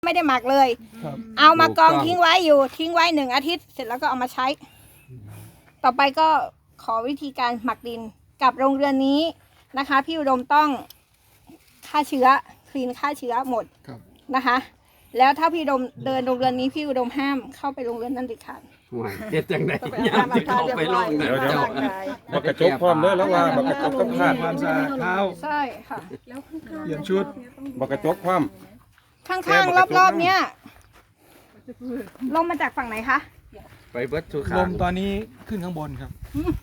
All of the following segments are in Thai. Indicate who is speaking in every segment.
Speaker 1: ไม่ได้หมักเลย
Speaker 2: ครับ
Speaker 1: เอามากองทิ้งไว้อยู่ทิ้งไว้1 อาทิตย์เสร็จแล้วก็เอามาใช้ ต่อไปก็ขอวิธีการหมักดินกับโรงเรือนนี้นะคะพี่อุดมต้องฆ่าเชื้อคลีนฆ่าเชื้อหมด
Speaker 2: ครับ
Speaker 1: นะคะ แล้วถ้าพี่อุดมเดินโรงเรือนนี้พี่อุดมห้ามเข้าไปโรงเรือนนั้นเด็ดขาด
Speaker 3: ห่วยเฮ็ดจังได๋ยามที่เข้าไปโลกเนี่ย
Speaker 4: เดี๋ยว
Speaker 3: เจ้า
Speaker 4: บักกระจกพร้อมเด้อแล้วว่าบักกระจกกับขาด
Speaker 2: ความสะอาดเท้า
Speaker 1: ใช่ค่ะ
Speaker 2: เปลี่ยนชุด
Speaker 4: บักกระจกพร้อม
Speaker 1: ข้างๆรอบๆเนี้ยลมมาจากฝั่งไหนคะ
Speaker 3: ไปเบิดทุก
Speaker 2: ล
Speaker 3: ขาม
Speaker 2: ตอนนี้ขึ้นข้างบนครับ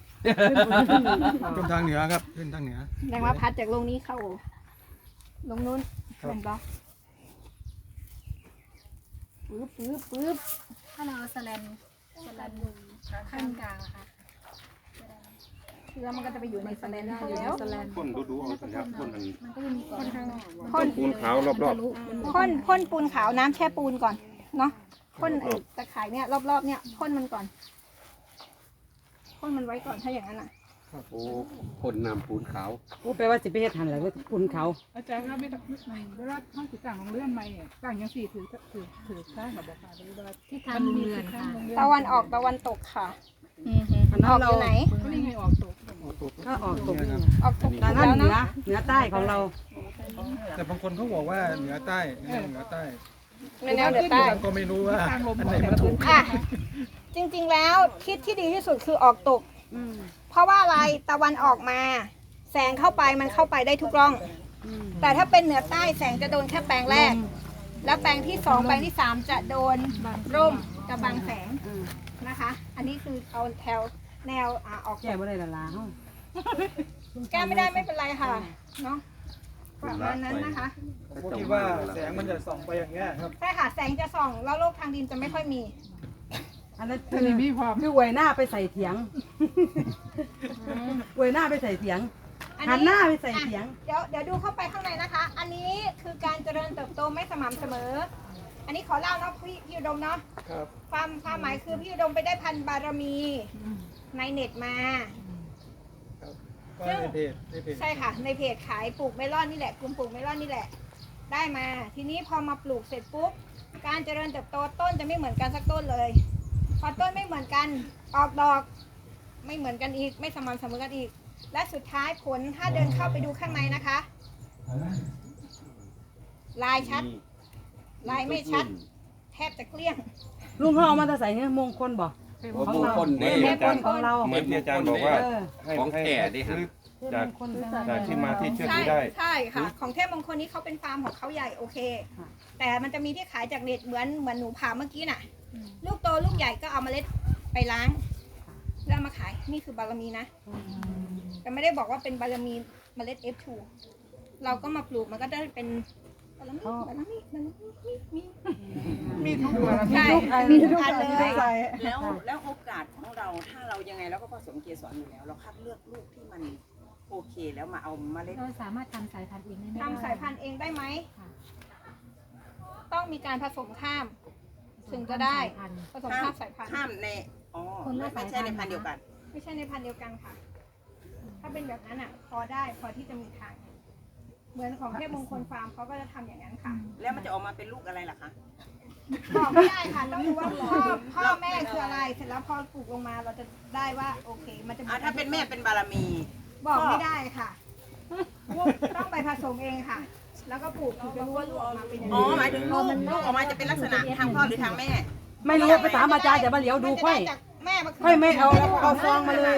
Speaker 2: ขึ้นทางเหนือครับขึ้นทางเหนือ
Speaker 1: แรงว่าพัดจากลงนี้เข้าลงนู้น
Speaker 2: ครับ
Speaker 1: เป็นบล็อกปึ๊บ
Speaker 5: ถ้าเราเอาสแลนขั้นกลางอะค่ะ
Speaker 1: เชื้อมันก็จะไปอยู่ในสแลนอยู่แล้ว
Speaker 4: พ่นดูเอาสิครับพ่นอัน
Speaker 5: มันก็จะมีก่อนข้างนอก
Speaker 1: พ่น
Speaker 4: ปูนขาวรอบ
Speaker 1: พ่นปูนขาวน้ำแช่ปูนก่อนเนาะพ่นไอ้ตะข่ายเนี่ยรอบๆเนี่ยพ่นมันก่อนพ่นมันไว้ก่อนถ้าอย่างนั้นอ่ะ
Speaker 3: โอ้คนน้ำปูนขาว
Speaker 6: โอ้แปลว่าสิไปเฮ็ดหันแหละว่าคุณเขา
Speaker 7: อาจารย์ครับไม่ต้องเวลาท่านติดต่างของเลื่อนไม่ต่างยังสี่ถือข้างกับบอกค่ะหรือว่า
Speaker 5: ที่ทางโรงเรือนค่ะ
Speaker 1: ตะวันออกตะวันตกค่ะ
Speaker 6: อัน
Speaker 1: อ
Speaker 6: นั้
Speaker 1: อน กอ
Speaker 6: เรา
Speaker 1: ยู่ไหน
Speaker 7: ก็นี่ไงออกตก
Speaker 6: ก็ออกตกนี่
Speaker 1: ออกตก
Speaker 6: ทาง
Speaker 1: แล้
Speaker 6: นั้น
Speaker 1: ว
Speaker 6: เหนือ
Speaker 1: เนาะ
Speaker 6: เหนือใต้ของเรา
Speaker 2: แต่บางคนเขาบอกว่าเหนือใต้เหนือใต้
Speaker 1: ในแนวเหนือใต้
Speaker 2: ก็ไม่รู้ว่า
Speaker 7: ทางลม
Speaker 2: อัน
Speaker 7: ข
Speaker 2: ไห
Speaker 7: อน งแต่
Speaker 2: มัน
Speaker 7: ละ
Speaker 2: ถู
Speaker 7: พื้
Speaker 2: ก
Speaker 7: นที่
Speaker 1: อ่ะจริงๆแล้วทิศที่ดีที่สุดคือออกตก เพราะว่าอะไรตะวันออกมา แสงเข้าไปมันเข้าไปได้ทุกร่อง แต่ถ้าเป็นเหนือใต้แสงจะโดนแค่แปลงแรก แล้วแปลงที่2แปลงที่3จะโดนร่มกับบังแสงนะคะ อันนี้คือเอาแนวออก
Speaker 6: แก้บ่ได้ละลาเฮา
Speaker 1: แก้ไม่ได้ไม่เป็นไรค่ะเนาะประมาณนั้นนะคะ
Speaker 2: ผมคิดว่าแสงมันจะส่องไปอย่างเงี้ยครับ
Speaker 1: ใช่ค่ะแสงจะส่องแล้วโลกทางดินจะไม่ค่อยมี
Speaker 6: อันนั้น
Speaker 7: อันนี้มีความ
Speaker 6: คืออวยหน้าไปใส่เถียงอวยหน้าไปใส่เถียง หันหน้าไปใส่เถียง
Speaker 1: เดี๋ยวดูเข้าไปข้างในนะคะ อันนี้คือการเจริญเติบโตไม่สม่ำเสมอ อันนี้ขอเล่าเนาะพี่อุดมเนาะ
Speaker 2: ครับ
Speaker 1: ความหมายคือพี่อุดมไปได้พันธุ์บารมีในเน็ตมา
Speaker 2: ก็ในเพจ
Speaker 1: ใช่ค่ะ ในเพจขายปลูกเมลอนนี่แหละกลุ่มปลูกเมลอนนี่แหละ ได้มา ทีนี้พอมาปลูกเสร็จปุ๊บการเจริญเติบโตต้นจะไม่เหมือนกันสักต้นเลย พอต้นไม่เหมือนกันออกดอกไม่เหมือนกันอีก ไม่สม่ำเสมอกันอีก และสุดท้ายผลถ้าเดินเข้าไปดูข้างในนะคะ ลายชัด ลายไม่ชัด แทบจะเกลี้ยง
Speaker 6: ลุงเขาเอามาแต่ใส่เนี่ยมงคลบ่
Speaker 3: โอ้มงคล
Speaker 4: เหมื
Speaker 3: เด้
Speaker 4: อนที่อาจารย์
Speaker 6: ของเรา
Speaker 4: เหมือนที่อาจารย์บอกว่า
Speaker 6: เออ
Speaker 4: ให้
Speaker 3: ของ
Speaker 4: ให้
Speaker 3: แก่ดิฮะ
Speaker 4: ซื้อ
Speaker 6: เทพ
Speaker 4: จาก
Speaker 6: มงคล
Speaker 4: จากที่มาที่เชือก
Speaker 1: ใช่
Speaker 4: นี้ได้
Speaker 1: ใช่ค่ะ ของเทพมงคลนี้เขาเป็นฟาร์มของเขาใหญ่โอเค
Speaker 6: ค่ะ
Speaker 1: แต่มันจะมีที่ขายจากเน็ตเหมือนหนูผ่าเมื่อกี้น่ะ ลูกโตลูกใหญ่ก็เอาเมล็ดไปล้างแล้วเอามาขายนี่คือบารมีนะ แต่ไม่ได้บอกว่าเป็นบารมีเมล็ด F2 เราก็มาปลูกมันก็ได้เป็นบารมีมีทุกตัวใช่มีทุกอันเลย
Speaker 8: แล้วโอกาสของเราถ้าเรายังไงเราก็ผสมเกสรอยู่แล้ว เราคัดเลือกลูกที่มันโอเคแล้วมาเอาเมล็ด
Speaker 5: เราสามารถทำสายพันธุ์เองได้ไหม
Speaker 1: ทำสายพันธุ์เองได้ไหม ต้องมีการผสมข้าม ถึงจะได้ผสมข้ามสายพันธุ์
Speaker 8: ข้ามในอ๋อไม่ใช่ในพันธุ์เดียวกัน
Speaker 1: ไม่ใช่ในพันธุ์เดียวกันค่ะ ถ้าเป็นแบบนั้นอ่ะ พอได้พอที่จะมีทาง เหมือนของเทพมงคลฟาร์มเขาก็จะทำอย่างนั้นค่ะ
Speaker 8: แล้วมันจะออกมาเป็นลูกอะไรล่ะคะ
Speaker 1: บอกไม่ได้ค่ะ ต้องดูว่าพ่อแม่คืออะไร เสร็จแล้วพอปลูกลงมาเราจะได้ว่าโอเค มันจะ
Speaker 8: ถ้าเป็นแม่เป็นบารมี
Speaker 1: บอกไม่ได้ค่ะ ต้องไปผสมเองค่ะ แล้วก็ปลูกถึงจะรู้ว่าลูกออกมาเป็นยังไง
Speaker 8: อ๋อหมายถึงลูกออกมาจะเป็นลักษณะทางพ่อหรือทางแม่
Speaker 6: ไม่รู้ไปถามอาจารย์แต่มาเหลียวดูค่อย
Speaker 1: มันจะได้จากแม่มา
Speaker 6: ค่อยไม่เอาเอาซองมาเลย